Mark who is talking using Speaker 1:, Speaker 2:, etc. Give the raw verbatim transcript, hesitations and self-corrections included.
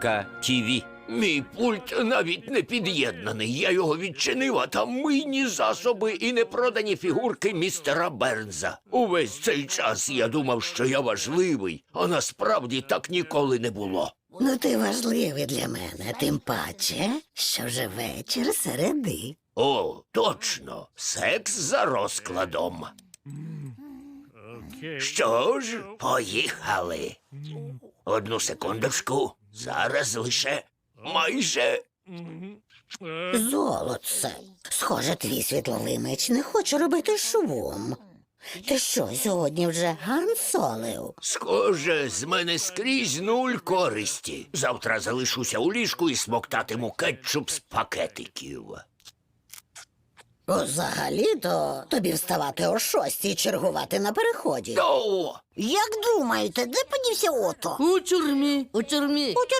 Speaker 1: Крапка ТІВІ.
Speaker 2: Мій пульт навіть не під'єднаний. Я його відчинив, а там мийні засоби і непродані фігурки містера Бернза. Увесь цей час я думав, що я важливий, а насправді так ніколи не було.
Speaker 3: Ну ти важливий для мене, тим паче, що вже вечір середи.
Speaker 2: О, точно, секс за розкладом. Що ж, поїхали. Одну секундочку, зараз лише майже...
Speaker 3: Золотце, схоже, твій світловий меч не хоче робити шумом. Ти що, сьогодні вже гансолив?
Speaker 2: Схоже, з мене скрізь нуль користі. Завтра залишуся у ліжку і смоктатиму кетчуп з пакетиків.
Speaker 3: Взагалі-то тобі вставати о шостій і чергувати на переході.
Speaker 2: О!
Speaker 3: Як думаєте, де подівся Ото?
Speaker 4: У тюрмі, у тюрмі.
Speaker 3: У